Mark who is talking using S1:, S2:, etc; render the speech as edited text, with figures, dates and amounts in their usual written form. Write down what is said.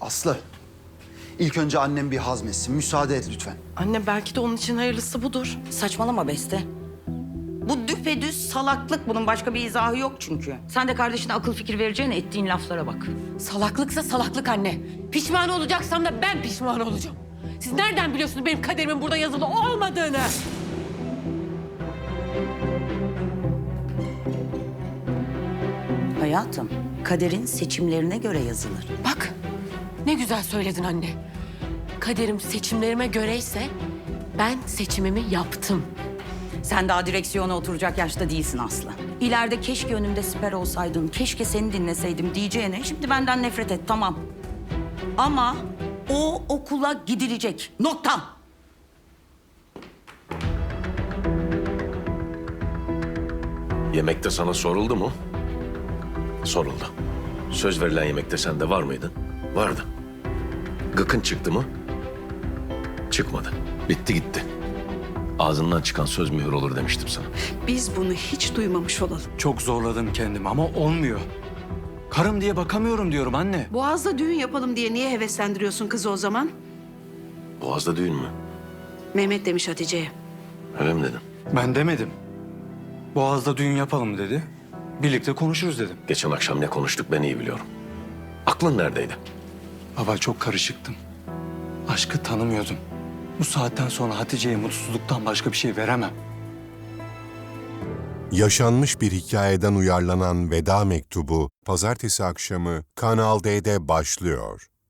S1: Aslı, ilk önce annem bir hazmetsin. Müsaade et lütfen.
S2: Anne belki de onun için hayırlısı budur.
S3: Saçmalama Beste. Bu düpedüz salaklık, bunun başka bir izahı yok çünkü. Sen de kardeşine akıl fikir vereceğine ettiğin laflara bak.
S2: Salaklıksa salaklık anne. Pişman olacaksam da ben pişman olacağım. Siz nereden biliyorsunuz benim kaderimin burada yazılı olmadığını?
S3: Hayatım, kaderin seçimlerine göre yazılır.
S2: Bak ne güzel söyledin anne. Kaderim seçimlerime göreyse ben seçimimi yaptım.
S3: Sen daha direksiyona oturacak yaşta değilsin Aslı. İleride keşke önümde siper olsaydın, keşke seni dinleseydim diyeceğine şimdi benden nefret et, tamam. Ama o okula gidilecek. Nokta.
S4: Yemekte sana soruldu mu? Soruldu. Söz verilen yemekte sen de var mıydın? Vardı. Gıkın çıktı mı? Çıkmadı. Bitti gitti. Ağzından çıkan söz mühür olur demiştim sana.
S5: Biz bunu hiç duymamış olalım.
S6: Çok zorladım kendimi ama olmuyor. Karım diye bakamıyorum diyorum anne.
S5: Boğaz'da düğün yapalım diye niye heveslendiriyorsun kızı o zaman?
S4: Boğaz'da düğün mü?
S5: Mehmet demiş Hatice'ye.
S4: Öyle mi dedin?
S6: Ben demedim. Boğaz'da düğün yapalım dedi. Birlikte konuşuruz dedim.
S4: Geçen akşam ne konuştuk ben iyi biliyorum. Aklın neredeydi?
S6: Baba çok karışıktım. Aşkı tanımıyordum. Bu saatten sonra Hatice'ye mutsuzluktan başka bir şey veremem.
S7: Yaşanmış bir hikayeden uyarlanan Veda Mektubu, pazartesi akşamı Kanal D'de başlıyor.